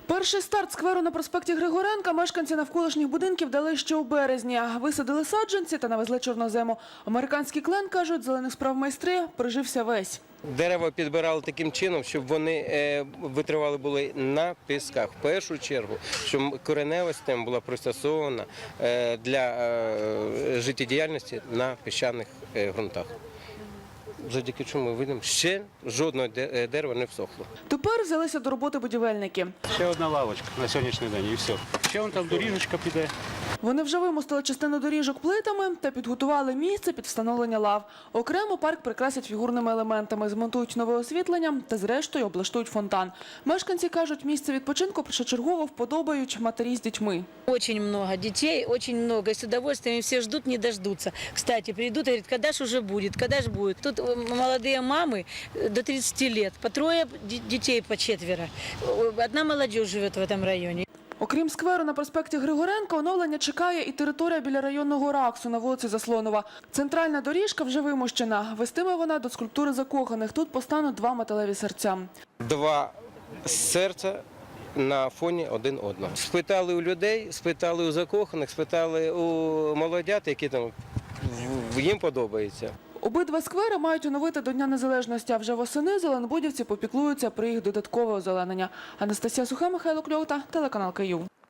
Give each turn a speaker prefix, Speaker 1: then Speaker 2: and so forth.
Speaker 1: Перший старт скверу на проспекті Григоренка мешканці навколишніх будинків дали ще у березні. Висадили саджанці та навезли чорнозему. Американський клен, кажуть, зелених справ майстри, прижився весь.
Speaker 2: Дерева підбирали таким чином, щоб вони витривали були на пісках. В першу чергу, щоб коренева система була пристосована для життєдіяльності на піщаних ґрунтах. Завдяки чому ми видимо, ще жодного дерева не всохло.
Speaker 1: Тепер взялися до роботи будівельники.
Speaker 3: Ще одна лавочка на сьогоднішній день і все. Ще вон там доріжечка піде.
Speaker 1: Вони вже вимостили частину доріжок плитами та підготували місце під встановлення лав. Окремо парк прикрасять фігурними елементами, змонтують нове освітлення та зрештою облаштують фонтан. Мешканці кажуть, місце відпочинку першочергово вподобають матері з дітьми.
Speaker 4: Очень много детей, очень много. И с удовольствием все ждут, не дождутся. Кстати, придут и говорят, когда ж уже будет, когда ж будет. Тут молодые мамы до 30 лет, по трое детей, по четверо. Одна молодежь живет в этом районе.
Speaker 1: Окрім скверу на проспекті Григоренка, оновлення чекає і територія біля районного РАКСу на вулиці Заслонова. Центральна доріжка вже вимощена. Вестиме вона до скульптури закоханих. Тут постануть два металеві серця.
Speaker 2: Два серця на фоні один одного. Спитали у людей, спитали у закоханих, спитали у молодят, які там їм подобається.
Speaker 1: Обидва сквери мають оновити до Дня Незалежності, а вже восени зеленбудівці попіклуються про їх додаткове озеленення. Анастасія Суха, Михайло Кльовта, телеканал Київ.